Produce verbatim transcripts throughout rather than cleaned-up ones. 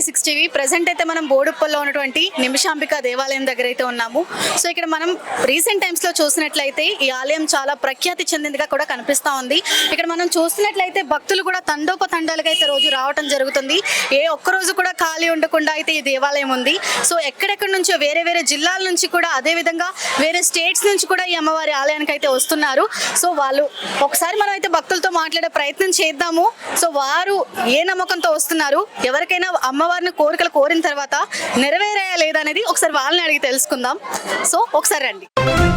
Six TV present అయితే మనం బోడుప్పల్లో ఉన్నటువంటి నిమిషాంబిక దేవాలయం దగ్గర అయితే ఉన్నాము. సో ఇక్కడ మనం రీసెంట్ టైమ్స్ లో చూసినట్లయితే ఈ ఆలయం చాలా ప్రఖ్యాతి చెందిందిగా కూడా కనిపిస్తా ఉంది. ఇక్కడ మనం చూసినట్లయితే భక్తులు కూడా తండోపతండాలుగా అయితే రోజు రావడం జరుగుతుంది. ఏ ఒక్క రోజు కూడా ఖాళీ ఉండకుండా అయితే ఈ దేవాలయం ఉంది. సో ఎక్కడెక్కడి నుంచో వేరే వేరే జిల్లాల నుంచి కూడా అదే విధంగా వేరే స్టేట్స్ నుంచి కూడా ఈ అమ్మవారి ఆలయానికి అయితే వస్తున్నారు. సో వాళ్ళు ఒకసారి మనం అయితే భక్తులతో మాట్లాడే ప్రయత్నం చేద్దాము. సో వారు ఏ నమ్మకంతో వస్తున్నారు, ఎవరికైనా అమ్మవారిని కోరికలు కోరిన తర్వాత నెరవేరాయా లేదా అనేది ఒకసారి వాళ్ళని అడిగి తెలుసుకుందాం. సో ఒకసారి రండి.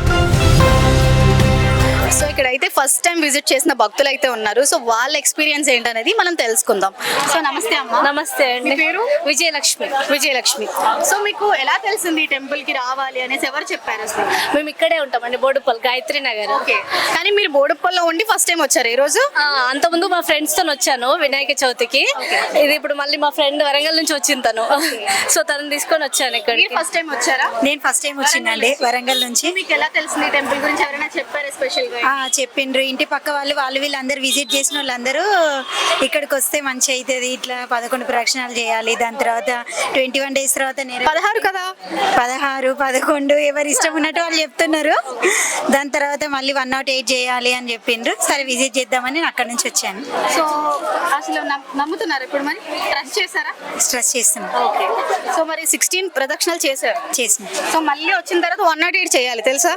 సో ఇక్కడైతే ఫస్ట్ టైం విజిట్ చేసిన భక్తులు అయితే ఉన్నారు. సో వాళ్ళ ఎక్స్పీరియన్స్ ఏంటనేది మనం తెలుసుకుందాం. సో నమస్తే అమ్మ. నమస్తే అండి. మీ పేరు? విజయలక్ష్మి. విజయలక్ష్మి. సో మీకు ఎలా తెలిసింది టెంపుల్ కి రావాలి అనేసి ఎవరు చెప్పారు అసలు? మేము ఇక్కడే ఉంటామండి, బోడుప్పల్, గాయత్రి నగర్. ఓకే, కానీ మీరు బోడుప్పల్లో ఉండి ఫస్ట్ టైం వచ్చారు ఈ రోజు? అంత ముందు మా ఫ్రెండ్స్ తో వచ్చాను వినాయక చవితికి. ఇది ఇప్పుడు మళ్ళీ మా ఫ్రెండ్ వరంగల్ నుంచి వచ్చింది తను, సో తను తీసుకొని వచ్చాను ఇక్కడ. ఫస్ట్ టైం వచ్చారా? నేను ఫస్ట్ టైం వచ్చిందండి వరంగల్ నుంచి. మీకు ఎలా తెలిసింది టెంపుల్ గురించి? ఎవరైనా చెప్పారా స్పెషల్ గా? చెప్పిండ్రు, ఇంటి పక్క వాళ్ళు వాళ్ళు వీళ్ళందరూ విజిట్ చేసిన వాళ్ళందరూ ఇక్కడికి వస్తే మంచి అవుతుంది, ఇట్లా పదకొండు ప్రదక్షిణాలు చేయాలి, దాని తర్వాత ట్వంటీ వన్ డేస్ తర్వాత పదహారు కదా, పదహారు పదకొండు ఎవరు ఇష్టం ఉన్నట్టు వాళ్ళు చెప్తున్నారు. దాని తర్వాత మళ్ళీ వన్ నాట్ ఎయిట్ చేయాలి అని చెప్పిండ్రు. సరే విజిట్ చేద్దామని నేను అక్కడ నుంచి వచ్చాను. సో అసలు నమ్ముతున్నారు ఇప్పుడు? మరి ట్రస్ట్ చేశారా? స్ట్రెస్ చేస్తున్నాను. ఓకే. సో మరి సిక్స్టీన్ ప్రదక్షిణాలు చేశారు? చేసిన. సో మళ్ళీ వచ్చిన తర్వాత వన్ నాట్ ఎయిట్ చేయాలి తెలుసా?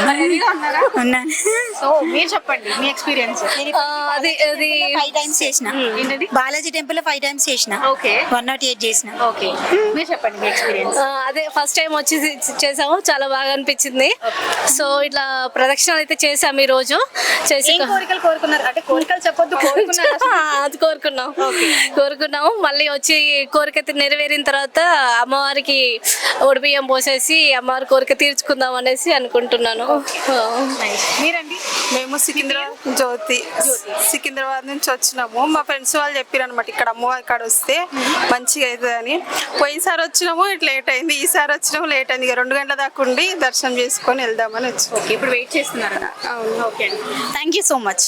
ఉన్నాను. సో మీరు చెప్పండి మీ ఎక్స్పీరియన్స్. అది అది ఫైవ్ టైమ్స్ చేసిన. ఏంటది? బాలాజీ టెంపుల్ లో ఫైవ్ టైమ్స్ చేసిన. ఓకే. వన్ నాట్ ఎయిట్ చేసిన. ఓకే, మీరు చెప్పండి మీ ఎక్స్పీరియన్స్. అదే ఫస్ట్ టైం వచ్చి చేసాము, చాలా బాగా అనిపించింది. సో ఇట్లా ప్రదక్షిణాలు అయితే చేసాము ఈ రోజు. చేసి కోరికలు కోరుకున్నారు అంటే కోరికలు చెప్పొద్దు, కోరుకున్నారు. అది కోరుకున్నాం కోరుకున్నాము మళ్ళీ వచ్చి కోరిక నెరవేరిన తర్వాత అమ్మవారికి ఒడిబియ్యం పోసేసి అమ్మవారి కోరిక తీర్చుకుందాం అనేసి అనుకుంటున్నాను. మీరండి? మేము సికింద్రాబాద్ జ్యోతి సికింద్రాబాద్ నుంచి వచ్చినాము. మా ఫ్రెండ్స్ వాళ్ళు చెప్పారు అనమాట, ఇక్కడ అమ్మవారి కాడ వస్తే మంచిగా అవుతుంది అని. పోయినసారి వచ్చినాము ఇట్లా లేట్ అయింది, ఈసారి వచ్చినాము లేట్ అయింది. ఇక రెండు గంటల దాకా ఉండి దర్శనం చేసుకొని వెళ్దామని వచ్చి. ఓకే, ఇప్పుడు వెయిట్ చేస్తున్నారా? అవును. Okay, thank you so much.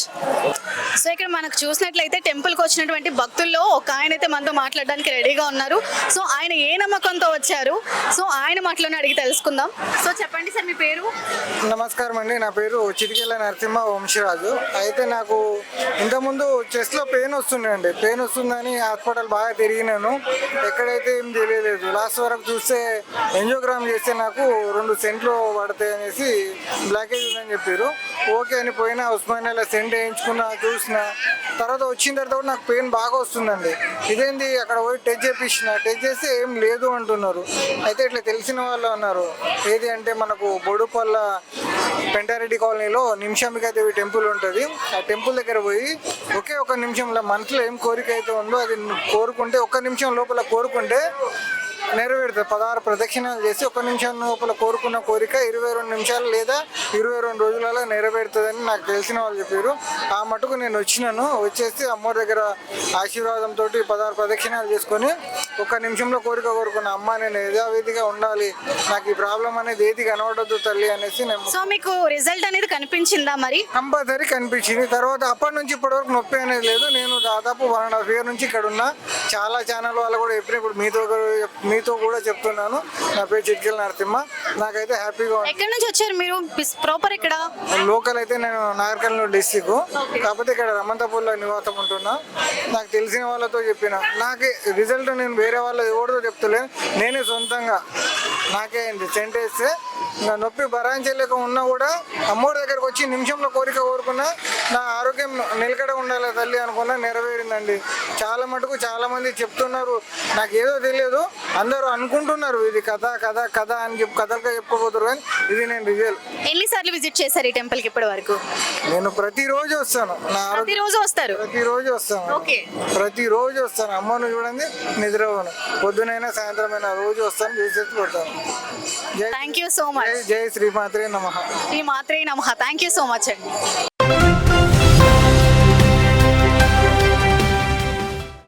So ఇక్కడ మనకు చూసినట్లయితే టెంపుల్కి వచ్చినటువంటి భక్తుల్లో ఒక ఆయన అయితే మనతో మాట్లాడడానికి రెడీగా ఉన్నారు. సో ఆయన ఏ నమ్మకంతో వచ్చారు, సో ఆయన మాటలోనే అడిగి తెలుసుకుందాం. సో చెప్పండి సార్, మీ పేరు? నమస్కారం అండి, నా పేరు చిటికెళ్ళ నరసింహ వంశీరాజు. అయితే నాకు ఇంతకుముందు చెస్ట్లో పెయిన్ వస్తుందండి, పెయిన్ వస్తుందని హాస్పిటల్ బాగా తిరిగినాను, ఎక్కడైతే ఏం తెలియలేదు. లాస్ట్ వరకు చూస్తే ఎంజియోగ్రామ్ చేస్తే నాకు రెండు సెంట్లు పడతాయి అనేసి బ్లాకేజ్ ఉందని చెప్పారు. ఓకే అని పోయినా ఉస్మానియాలో సెంట్ వేయించుకున్నా, చూసిన తర్వాత వచ్చిన తర్వాత కూడా నాకు పెయిన్ బాగా వస్తుందండి. ఇదేంటి అక్కడ పోయి టెస్ట్ చేపించిన, టెస్ట్ చేస్తే ఏం లేదు అంటున్నారు. అయితే ఇట్లా తెలిసిన వాళ్ళు అన్నారు, ఏది అంటే మనకు బోడుపల్ల పెంటారెడ్డి కాలనీలో నిమిషాంబికా దేవి టెంపుల్ ఉంటుంది. ఆ టెంపుల్ దగ్గర పోయి ఒకే ఒక నిమిషంలో మనసులో ఏం కోరిక అయితే ఉందో అది కోరుకుంటే, ఒక్క నిమిషం లోపల కోరుకుంటే నెరవేరుతుంది. పదహారు ప్రదక్షిణాలు చేసి ఒక నిమిషం లోపల కోరుకున్న కోరిక ఇరవై రెండు నిమిషాలు లేదా ఇరవై రెండు రోజులలో నెరవేరుతుందని నాకు తెలిసిన వాళ్ళు చెప్పారు. ఆ మటుకు నేను వచ్చినాను. వచ్చేసి అమ్మవారి దగ్గర ఆశీర్వాదంతో పదహారు ప్రదక్షిణాలు చేసుకొని ఒక నిమిషంలో కోరిక కోరుకున్న, అమ్మ నేను యథావిధిగా ఉండాలి, నాకు ఈ ప్రాబ్లం అనేది ఏది కనబడద్దు తల్లి అనేసి నేను. సో మీకు రిజల్ట్ అనేది కనిపించిందా? మరి కంపల్సరీ కనిపించింది. తర్వాత అప్పటి నుంచి ఇప్పటి వరకు నొప్పి అనేది లేదు. నేను దాదాపు వన్ అండ్ హాఫ్ ఇయర్ నుంచి ఇక్కడ ఉన్నా. చాలా ఛానల్ వాళ్ళు కూడా చెప్పిన, ఇప్పుడు మీతో మీతో కూడా చెప్తున్నాను. నా పేరు చిట్కెళ్ళ నరసింహ. నాకైతే హ్యాపీగా. ఎక్కడి నుంచి వచ్చారు మీరు? ప్రాపర్ ఇక్కడ లోకల్ అయితే నేను నాగర్కర్నూలు డిస్టిక్, కాకపోతే ఇక్కడ రమంతపూర్లో నివాసం ఉంటున్నా. నాకు తెలిసిన వాళ్ళతో చెప్పిన, నాకే రిజల్ట్ నేను వేరే వాళ్ళు ఎవరితో చెప్తలేను, నేనే సొంతంగా నాకే అయింది. సెంట్ వేస్తే ఇంకా నొప్పి భరాంచలేక ఉన్నా కూడా అమ్మోడి దగ్గరకు వచ్చి నిమిషంలో కోరిక కోరుకున్నా, నా ఆరోగ్యం నిలకడ ఉండాలి తల్లి అనుకున్నా, నెరవేరిందండి. చాలా మటుకు చాలా మంది చెప్తున్నారు, నాకు ఏదో తెలియదు, అందరూ అనుకుంటున్నారు ఇది కథ కథ కథ అని చెప్పి కథలుగా చెప్పుకోబోతున్నారు, కానీ ఇది నేను రిజల్ట్. ఎన్నిసార్లు విజిట్ చేశారు ఈ టెంపుల్ కి ఇప్పటి వరకు? నేను ప్రతిరోజు వస్తాను. నా ప్రతిరోజు వస్తారు? ప్రతిరోజు వస్తాను. ఓకే, ప్రతిరోజు వస్తాను. అమ్మను చూడండి, నిద్రపోను, పొద్దునైనా సాయంత్రమైనా రోజు వస్తాను, చూసేసి పోతాను. Thank you so much. జై శ్రీమాత్రే నమః. శ్రీ మాత్రే నమః. థ్యాంక్ యూ సో మచ్ అండి.